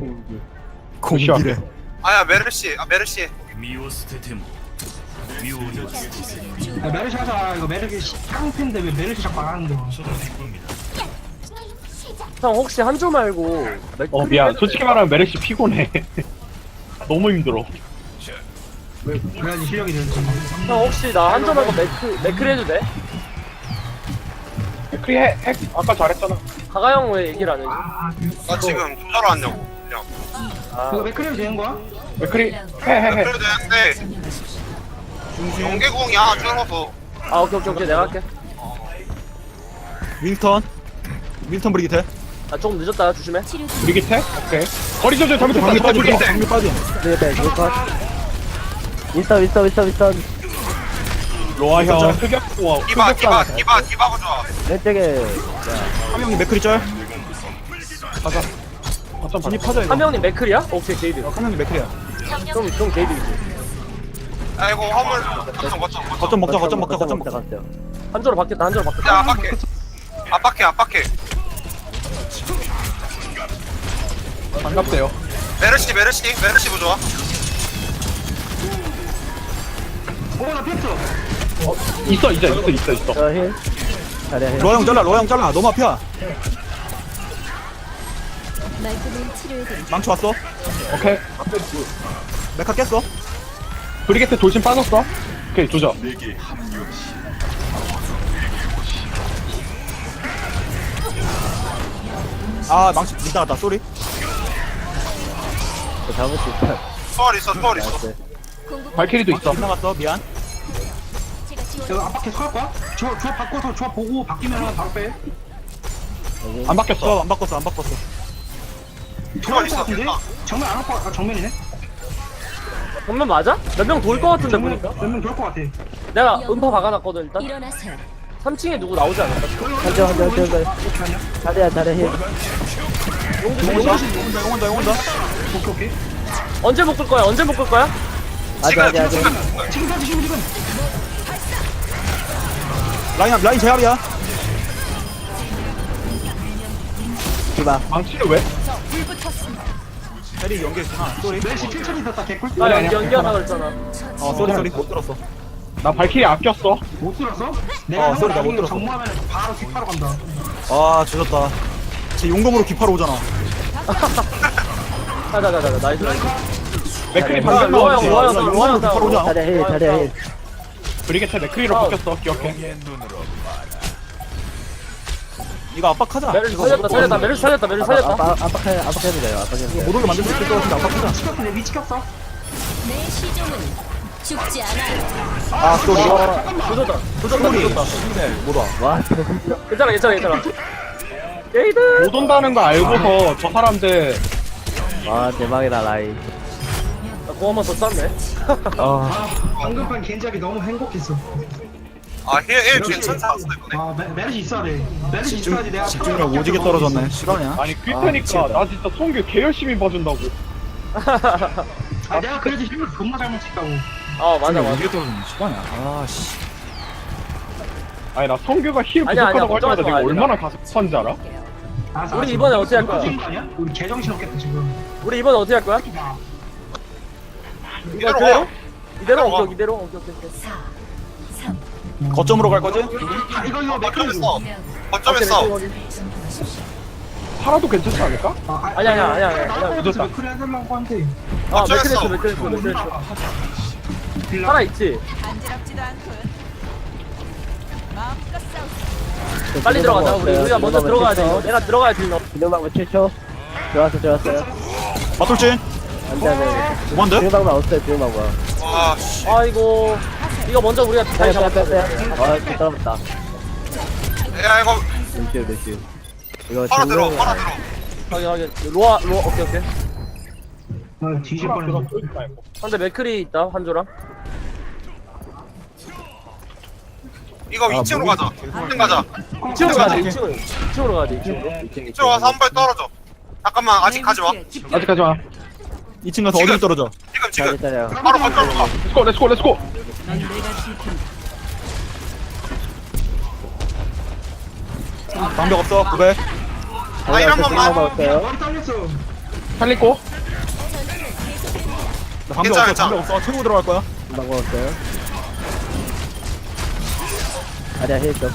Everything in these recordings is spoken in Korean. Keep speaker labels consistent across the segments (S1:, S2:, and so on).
S1: 공기래.
S2: 아야 메르시 메르시.
S3: 야, 메르시 하자. 이거 메르시 쌍핀데 왜 메르시 자꾸 안 하는 거야?
S4: 형 혹시 한조 말고
S1: 미안. 솔직히 말하면 메렉시 피곤해. 너무 힘들어.
S3: 그래야지 실력이 늘지.
S4: 형 혹시 나 한조 말고 맥크리 해도 돼?
S1: 크리 아까 잘했잖아.
S4: 가가 형 왜 얘기를 안 해줘?
S2: 나 지금 조자로 왔냐고. 그냥.
S3: 이거 맥크리도 되는 거야?
S1: 크리 해.
S2: 그래도 되는데. 연계공이야 줄어서.
S4: 아 오케이 내가 할게.
S5: 윈스턴 브리기테.
S4: 나 조금 늦었다 조심해.
S1: 브리기테? 오케이. 거리 조절 잘못했다.
S5: 방미 빠진
S2: 브리기테.
S5: 방미 빠진.
S6: 윈스턴
S1: 로아 형 흑역고
S2: 디바 좋아.
S6: 왼쪽에
S5: 한 명이 맥크리 짤.
S1: 어쩜
S5: 진입하자 이거.
S4: 한 명님 맥크리야? 오케이 게이드.
S5: 한 명이 맥크리야.
S4: 그럼 게이드이지.
S2: 아이고 화물
S5: 거점 먹자.
S6: 갔어요.
S4: 한조로 바뀌었다.
S2: 야 압박해.
S1: 반갑대요.
S2: 메르시 보조아.
S3: 나 피했어.
S1: 있어.
S6: 저 힐. 잘해 힐.
S5: 로아 형 잘라. 너무 앞이야. 망치 왔어.
S1: 오케이.
S5: 메카 깼어.
S1: 브리게테 돌진 빠졌어. 오케이 조져.
S5: 아 망치 이따갔다. 쏘리.
S6: 저 잘못했어.
S2: 초월 있어.
S1: 발키리도 있어.
S5: 빗나갔어. 미안.
S3: 이거 압박해 서할 거야? 조합 바꿔서 조합 보고 바뀌면 바로 빼.
S1: 안 바뀌었어.
S5: 안 바꿨어.
S3: 정면 것 같은데? 정면 안 올 거. 정면이네.
S4: 정면 맞아? 몇 명 돌 것 같은데 보니까.
S3: 몇명 돌 것 같아.
S4: 내가 음파 박아놨거든 일단.
S7: 일어나세요.
S4: 3층에 누구 나오지 않을까?
S6: 한조 잘해 힐.
S5: 용온다.
S3: 오케이.
S4: 언제 묶을 거야?
S6: 아직.
S3: 지금.
S5: 라인 제압이야.
S6: 디바.
S1: 망치를 왜?
S5: 페리 연계했구나. 쏘리.
S3: 메르시 필처리 있었다. 개꿀.
S4: 나 연기하다 그랬잖아.
S5: 쏘리. 못 들었어.
S1: 나 발키리 아꼈어.
S3: 못 들었어? 내가
S5: 소리 나못
S3: 나중에
S5: 들었어.
S3: 정모하면 바로 뒷파로 간다.
S5: 아 조졌다. 제 용검으로 기파로 오잖아.
S4: 가자 나이스.
S1: 맥크리
S4: 야,
S1: 방금
S4: 로아
S1: 나왔지.
S4: 형, 로아 형, 로아 형,
S5: 바로 오자.
S6: 잘해 힐.
S1: 브리게테 맥크리로 바뀌었어. 기억해.
S5: 이거 압박하자.
S4: 메르시
S5: 이거
S4: 살렸다. 메르시 살렸다.
S6: 압박해도 돼요. 압박해도 돼요.
S5: 못 오게 만들 수 있을 것 같은데 압박하자.
S3: 치켰어. 내 위치켰어.
S7: 내 시종은 죽지 않아요.
S5: 아 쏘리.
S4: 조졌다.
S5: 못 와.
S6: 와 진짜.
S4: 괜찮아. 게이드.
S1: 못 온다는 거 알고서 저 사람들
S6: 와 대박이다 라인.
S4: 나공 한번 더 쐈네.
S3: 방금판 겐지하기 너무 행복했어.
S2: 힐 괜찮다.
S3: 메르시 있어야 돼. 메르시 있어야지 내가
S5: 집중력 오지게 떨어졌네. 실화냐?
S1: 아니 그때니까 나 진짜 성규 개 열심히 봐준다고.
S3: 내가 그래도 힘을 존나 잘 맞췄다고.
S4: 맞아.
S5: 오지게 떨어졌네. 실화냐? 아씨.
S1: 아니 나 성규가 힐
S4: 아니야,
S1: 부족하다고 할 때마다
S4: 걱정하지
S1: 내가
S4: 마,
S1: 얼마나 가슴한지 알아?
S4: 우리 이번에 어떻게 할 거야?
S3: 아니야? 우리 개정신 없겠다 지금.
S4: 우리 이번에 어떻게 할 거야?
S2: 이대로 가.
S4: 이대로. 오케이.
S5: 거점으로 갈 거지?
S3: 이거 맥크리.
S2: 거점했어.
S1: 팔아도 괜찮지 않을까?
S4: 아니야.
S3: 늦었다. 맥크리 해달라고 한데.
S4: 맥크리스. 살아 있지. 빨리 들어가자. 우리가 먼저 들어가야 돼. 내가 들어가야 돼.
S6: 기능방법 7초. 좋았어요.
S5: 맞돌진.
S6: 안돼.
S5: 뭔데?
S6: 기능방법 없어요. 기능방법.
S2: 와 씨.
S4: 아이고. 이거 먼저 우리가 잘 잡았다.
S6: 아 떨어졌다.
S2: 야 이거
S6: 루시오. 이거
S2: 바로 들어.
S4: 확인. 로아 오케이.
S3: 뒤질 뻔했어.
S4: 상대 맥크리 있다. 한조랑.
S2: 이거 2층으로 가자. 2층 가자.
S4: 2층으로 가야 돼. 2층으로 가야 돼.
S2: 2층 와서 한 발 떨어져. 잠깐만 아직 가지 마.
S1: 아직까지 마.
S5: 2층 가서 어디로 떨어져?
S2: 지금.
S6: 잘해요.
S2: 바로 거점으로 가.
S1: 렛츠고.
S5: 방벽 없어. 900.
S2: 아 이런 것만.
S6: 기능방법 없어요.
S3: 머리 잘렸어.
S1: 살리고.
S5: 나 방벽
S2: 괜찮아,
S5: 없어, 방벽 없어. 최고 들어갈 거야.
S6: 금방 먹었어요. 아니야, 해줘.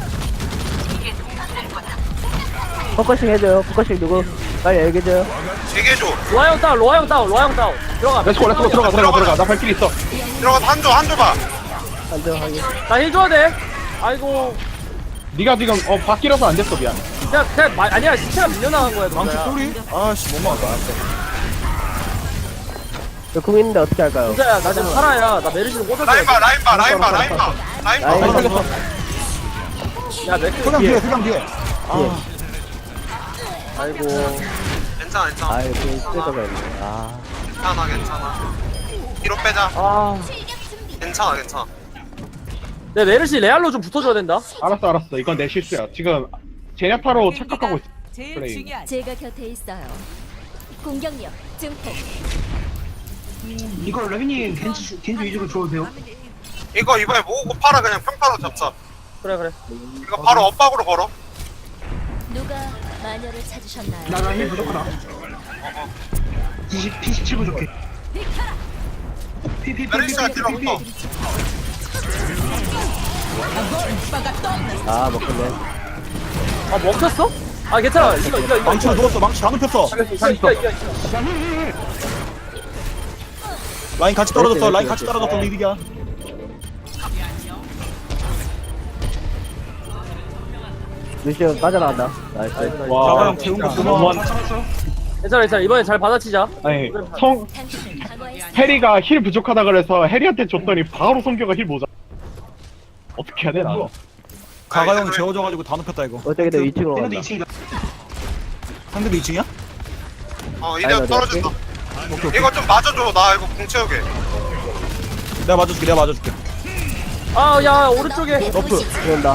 S6: 포커싱 해줘요. 포커싱 누구? 빨리 얘기해줘요.
S2: 얘기해줘.
S4: 로아 형 다운, 로아 형 다운, 로아 형 다운. 들어가.
S1: 렛츠고 렛츠고 들어가. 나 발길 있어.
S2: 들어가서 한조 봐.
S6: 안정하게.
S4: 나 힐 줘야 돼. 아이고.
S1: 네가 지금 바뀌라서 안 됐어 미안.
S4: 그냥 아니야 시체가 밀려나간 거야.
S5: 망치
S4: 진짜야.
S5: 소리? 아씨, 못 막았다.
S6: 저궁 있는데 어떻게 할까요?
S4: 진짜야 나 지금 살아야. 나 메르시를 꽂아줘야
S2: 라인
S4: 돼.
S2: 봐, 라인 봐, 라인 봐, 라인 봐. 라인 봐.
S6: 라인.
S1: 살렸어.
S4: 야 맥주
S5: 소강 뒤에, 소강 뒤에.
S4: 아이고.
S2: 괜찮아, 괜찮아.
S6: 아이, 그 쓸거가 있네. 아,
S2: 괜찮아, 괜찮아. 뒤로 빼자.
S4: 아.
S2: 괜찮아, 괜찮아.
S4: 내 메르시 레알로 좀 붙어줘야 된다.
S1: 알았어. 이건 내 실수야. 지금 제냐타로 착각하고 있어.
S8: 제일
S1: 플레이.
S8: 중요한
S7: 제가 곁에 있어요. 공격력 증폭.
S3: 이거 레빈님 겐지 위주로 줘도 돼요?
S2: 이거 이번에 모으고 팔아 그냥 평타로 잡자.
S4: 그래.
S2: 이거 바로 엇박으로 걸어.
S7: 누가 마녀를 찾으셨나요?
S3: 나힐 부족하다. P17 부족해.
S2: 메르시가 뒤로
S6: 아, 먹겠네.
S4: 아 먹혔어? 아 괜찮아. 이거.
S5: 망치로 누웠어, 망치 다 눕혔어.
S4: 이거.
S5: 라인 같이 떨어졌어, 라인 같이 떨어졌어, 리빅이야.
S6: 루시오 빠져나간다. 나이스.
S5: 자가형 재운 거 고마워.
S4: 괜찮아. 이번에 잘 받아치자.
S1: 아니
S7: 당신을 강화했어.
S1: 해리가 힐 부족하다 그래서 해리한테 줬더니 바로 성규가 힐 모자. 어떻게 해야 돼 나?
S5: 가가형 재워져가지고 다 눕혔다 이거.
S6: 어떻게든 2층으로
S3: 얘네도
S6: 간다.
S3: 2층이다.
S5: 상대도 2층이야?
S2: 이대로
S6: 아니,
S2: 떨어진다.
S5: 오케이, 오케이.
S2: 이거 좀 맞아줘. 나 이거 궁 채우게.
S5: 내가 맞아줄게.
S4: 아 야 오른쪽에
S5: 너프.
S6: 들어온다.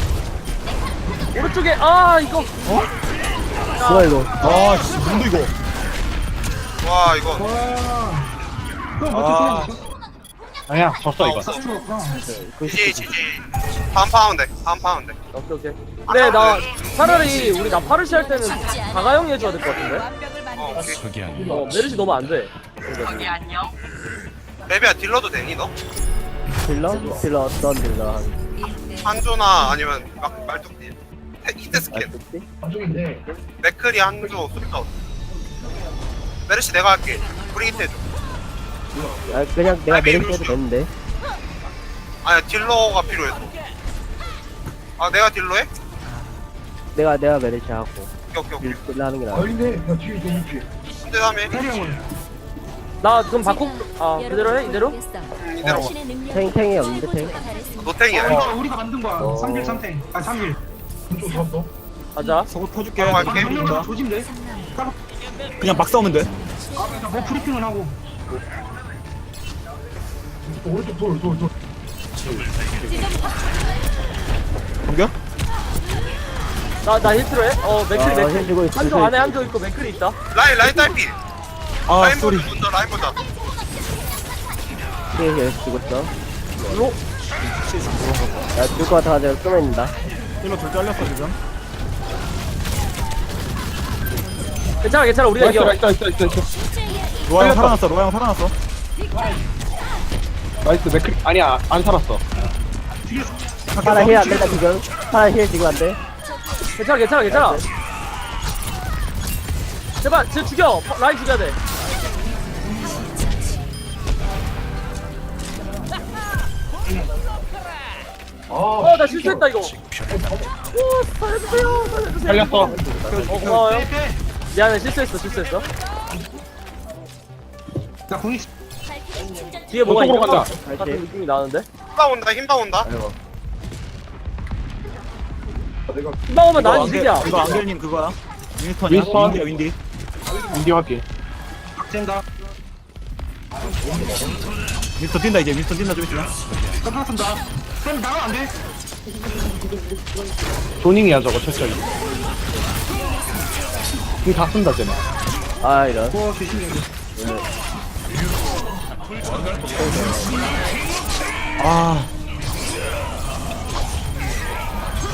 S4: 오른쪽에 아 이거.
S6: 뭐야, 이거?
S5: 아, 씨, 뭔데 이거?
S2: 와 이거.
S5: 아,
S1: 아니야 졌어 이거.
S2: GG. 다음 파면 돼.
S4: 오케이. 근데 나 차라리 우리 나 파르시 할 때는 가가형이 해줘야 될 것 같은데.
S8: 완벽을 만들어
S2: 오케이.
S4: 메르시 너무 안 돼.
S2: 레비야 딜러도 되니 너?
S6: 딜러? 딜러 어떤 딜러?
S2: 한조나 아니면 말뚝딜. 히트 스킬.
S6: 알겠지?
S2: 맥크리 한조 수리터. 메르시 내가 할게. 브리기트 해줘.
S6: 아, 그냥 내가 메르시 해도 되는데.
S2: 아니야 딜러가 필요해서. 아 내가 딜러 해?
S6: 내가 메르시 하고.
S2: 오케이.
S6: 딜러 하는 게 나아.
S2: 근데 3일.
S3: 해리 형은
S4: 나 그럼 바꿔. 아 그대로 해 이대로?
S2: 이대로.
S7: 당신의 능력.
S6: 탱이 없는데, 탱?
S2: 노탱이야.
S3: 이거 우리가 만든 거야. 3딜 3탱. 아 3딜.
S4: 가자.
S5: 서고 펴줄게.
S2: 바로
S3: 아,
S2: 갈게.
S3: 명령 조짐 돼?
S5: 그냥 막 싸우면 돼.
S3: 뭐 브리핑은 하고.
S5: 공격?
S4: 나 힐 필요해? 맥클이
S6: 힐 주고 있어.
S4: 한조 안에 한조 있고 맥클이 있다.
S2: 라인 딸피.
S5: 아,
S2: 라인
S5: 쏘리.
S2: 먼저 라인 보자.
S6: 탱이 계속 주고 있어.
S4: 로.
S6: 야, 줄것 같아가지고 끄면 있다.
S5: 힐러 둘 잘렸어 지금.
S4: 괜찮아 우리가 이겨.
S1: 있어.
S5: 로아 형 살아났어.
S1: 나이스 맥크 아니야 안 살았어.
S6: 하나 힐 안 된다, 지금. 하나 힐 지금 안 돼.
S4: 괜찮아. 제발 쟤 죽여. 라인 죽여야 돼. 나 실수했다 이거. 살려주세요.
S1: 살렸어.
S4: 고마워요. 미안해 실수했어.
S3: 나 공이
S4: 뒤에 뭐가 있는
S1: 저쪽으로
S4: 거
S1: 가자.
S4: 같은 느낌이 나는데.
S2: 힘다 온다.
S4: 금방 오면 난 이득이야.
S5: 이거 안gel님 그거야. 윈스턴이야.
S1: 윈스턴.
S5: 윈디.
S1: 인디 확인.
S3: 박젠가.
S5: 윈스턴 뛴다 이제. 윈스턴 뛴다 좀 있으면.
S3: 끝났습니다. 그럼 나가면 안 돼?
S1: 조닝이야 저거 철저히. 이거 다 쓴다 쟤네.
S6: 아, 이런.
S3: 조심해.
S5: 아,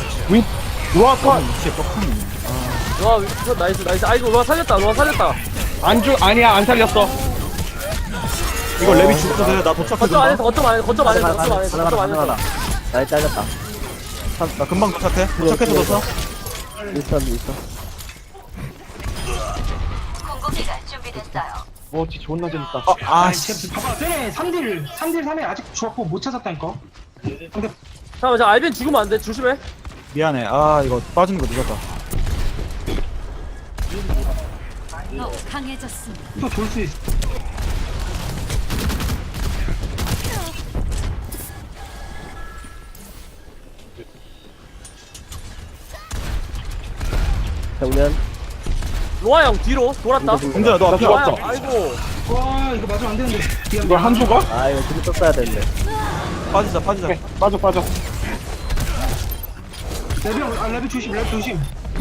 S1: 로아 컷.
S5: 진짜 뻑하네.
S4: 로아 나이스. 아이고 로아 살렸다.
S1: 아니야 안 살렸어.
S5: 이거 랩이 죽어도 돼. 나 도착해.
S4: 거점 안에서 거점 안에서 거점 안에서
S6: 가자,
S4: 거점 안에서 거점 안에서
S6: 나 잘렸다.
S5: 나 금방 도착해. 도착해서 넣었어.
S6: 있어.
S1: 뭐지 존나 재밌다.
S3: 쟤 봐봐 쟤네 3딜 3에 아직 주합보 못 찾았다니까. 근데
S4: 잠깐만 저 알빈 죽으면 안돼 조심해.
S5: 미안해. 아 이거 빠지는 거 늦었다.
S7: 강해졌습니다.
S3: 또 돌 수 있어.
S6: 정면.
S4: 로아 형 뒤로 돌았다.
S5: 공주야 너 앞에
S1: 나
S4: 로아
S1: 죽었어.
S4: 형 아이고.
S3: 와 이거 맞으면 안 되는데. 미안.
S1: 이거 한조가?
S6: 아, 이거 지금 썼어야 되는데.
S5: 빠지자.
S1: 오케이 빠져.
S3: 레비 조심 레비 조심.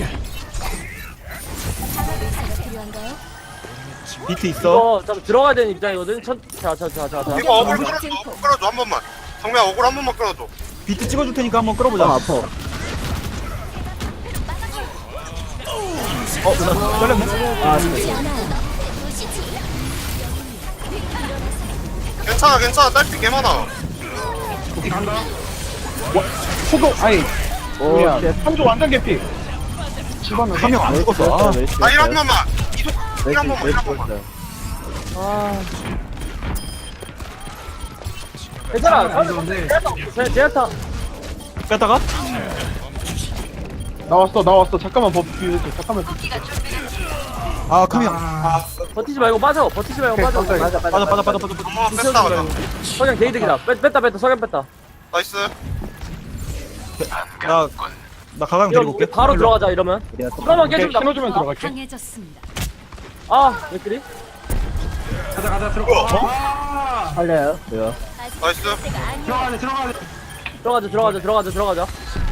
S7: 의사가 필요한가요?
S5: 비트 있어.
S4: 이거 잠깐 들어가야 되는 입장이거든. 자.
S2: 이거 어글 끌어줘 한 번만. 정면 어글 한 번만 끌어줘.
S5: 비트 찍어줄 테니까 한번
S6: 아,
S5: 끌어보자.
S6: 아파.
S5: 나 잘렸네.
S6: 아, 진짜.
S2: 괜찮아 딸피 개 많아.
S3: 어디 간다.
S1: 포도 아니
S6: 오,
S1: 야
S6: 쉣.
S1: 한조 완전 개피. 집어넣어.
S5: 한 명 안 죽었어. 아,
S2: 일 한 번만. 이속 일 한 번만. 일 한
S6: 왼쪽
S2: 번만.
S6: 있어요.
S4: 아. 괜찮아.
S3: 안 좋은데.
S4: 제아타.
S5: 뺐다가
S1: 나왔어. 잠깐만 버프 해줘. 잠깐만.
S5: 아 카미야.
S4: 버티지 말고 빠져. 버티지 말고 빠져.
S6: 맞아.
S5: 빠져.
S2: 엄마 뺐다 그냥.
S4: 석양 게이득이다. 뺐다. 석양 뺐다.
S2: 나이스.
S5: 나 가강
S4: 이거
S5: 데리고 올게.
S4: 바로 들어가자 이러면. 그러면
S1: 오케이,
S4: 깨준다.
S1: 신호주면 들어갈게.
S7: 강해졌습니다.
S4: 아, 맥그리?
S3: 가자 들어가.
S6: 살려요. 이거.
S2: 나이스.
S3: 들어가야 돼.
S4: 들어가자.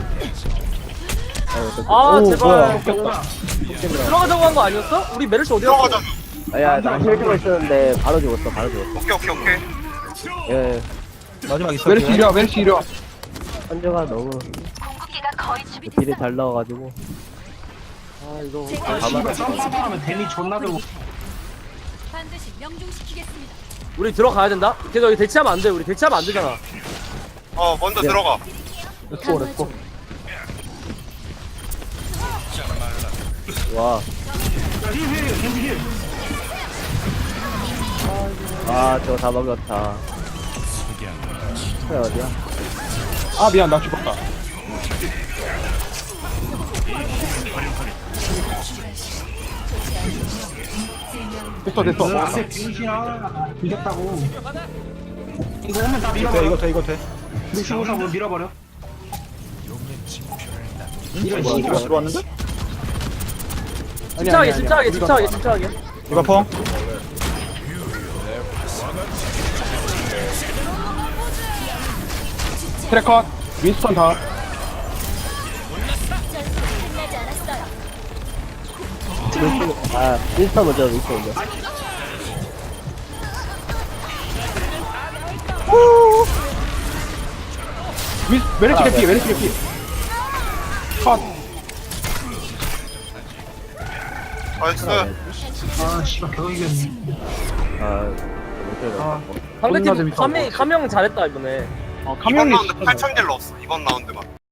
S6: 오,
S4: 아, 제발.
S6: 뭐야.
S4: 들어가자고 한 거 아니었어? 우리 메르시 어디 갔어?
S2: 들어가자.
S6: 야, 나 힐주고 있었는데 바로 죽었어.
S2: 오케이.
S6: 예.
S5: 마지막 있어.
S1: 메르시 이리와.
S6: 한조가 너무 딜이 잘 나와가지고.
S4: 아, 이거.
S3: 씨발 썸바하면 데미 존나 들고.
S7: 반드시 명중시키겠습니다.
S4: 우리 들어가야 된다? 걔도 여기 대치하면 안 돼. 우리 대치하면 안 되잖아.
S2: 먼저 들어가.
S1: 렛츠고.
S6: 와.
S3: 힐.
S6: 아, 저거 다 먹였다. 어디야?
S1: 아 미안 나 죽었다. 됐어.
S3: 앞에 병신아 이겼다고. 이거 오면 다 밀어버려.
S5: 이거 돼.
S3: 루시오사 뭐 밀어버려. 이런
S5: 이거
S3: 씨발.
S5: 들어왔는데?
S4: 집착하게.
S5: 이거 펑.
S1: 트래컷 윈스턴 다.
S7: 끝나지 않았어요.
S6: 아, 윈스턴 먼저.
S1: 메르시 개피. 컷.
S2: 나이스.
S3: 아 씨발 겨우 이겼네.
S4: 상대팀
S1: 존나 재밌다.
S4: 감명 잘했다 이번에.
S2: 이번
S1: 카명이
S2: 라운드 8,000딜 넣었어. 이번 라운드만.